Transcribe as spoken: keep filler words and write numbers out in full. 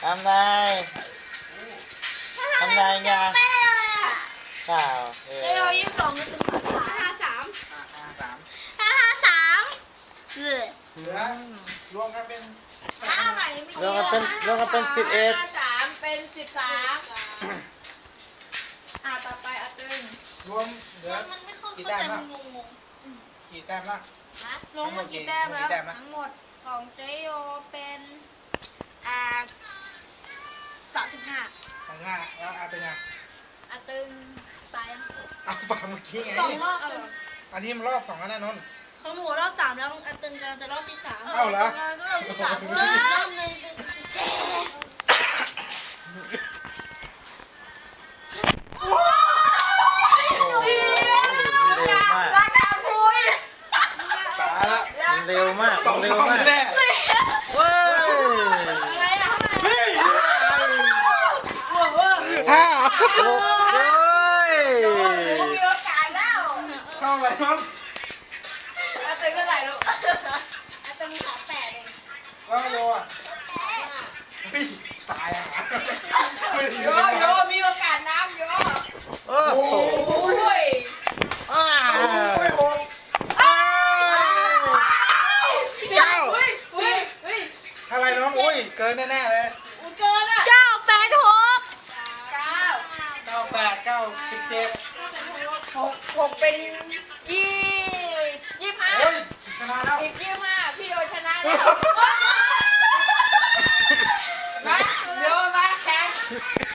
ทำนายทำนายไงข่าวเออเดี๋ยวยี่สิบสองก็ถึงห้าสามห้าห้าสามห้าห้าสามเออเหลือรวมกันเป็นห้าใหม่ไม่รวมกันเป็นรวมกันเป็นสิบเอ็ดห้าสามเป็นสิบสามอ่าต่อไปอาตึงรวมเหลือมันไม่เข้ากี่ใจแต้มมัละนงงกี่แต้มละๆฮะลงมากี่แต้มแล้วกี่แต้มนะทั้งหมดของเจโยเป็นอ่าสามสิบห้าทางห้าแล้วอาเป็นไงอาตึงตายยังเอาปากเมื่อกี้ไงสองรอบเอาอันนี้มันรอบสองแล้วนะนนท์ของหนูรอบสามแล้วอาตึงกำลังจะรอบที่สามเอาเหรอก็รอบที่สามรอบหนึ่งแก่เร็วมากตกเร็วสองมากแน่เร็วมากเว้ยอะไรอะเฮ้ยห้าห้าหกเว้ยมีโอกาสแล้วเท่าไหร่ครับอาตึงเท่าไหร่ลูกอาตึงสามแปดเองแล้วโยอ่ะเฮ้ยตายอ่ะไม่ได้โยโยมีโอกาสน้ำโยโอ้โหโอ้ยอ้าโอ้ยโอ้ยอ้าเก้าเฮ้ยเฮ้ยเฮ้ยอะไรน้องอุ้ยเกินแน่ๆเลยอุเกินอ่ะเก้าแปดหกเก้าเก้าแปดเก้าสิบเจ็ดหกหกเป็นยี่ยี่ห้าโอ้ยชนะแล้วอีกยี่ห้าพี่โยชนะแล้วมาโยมาแข่ง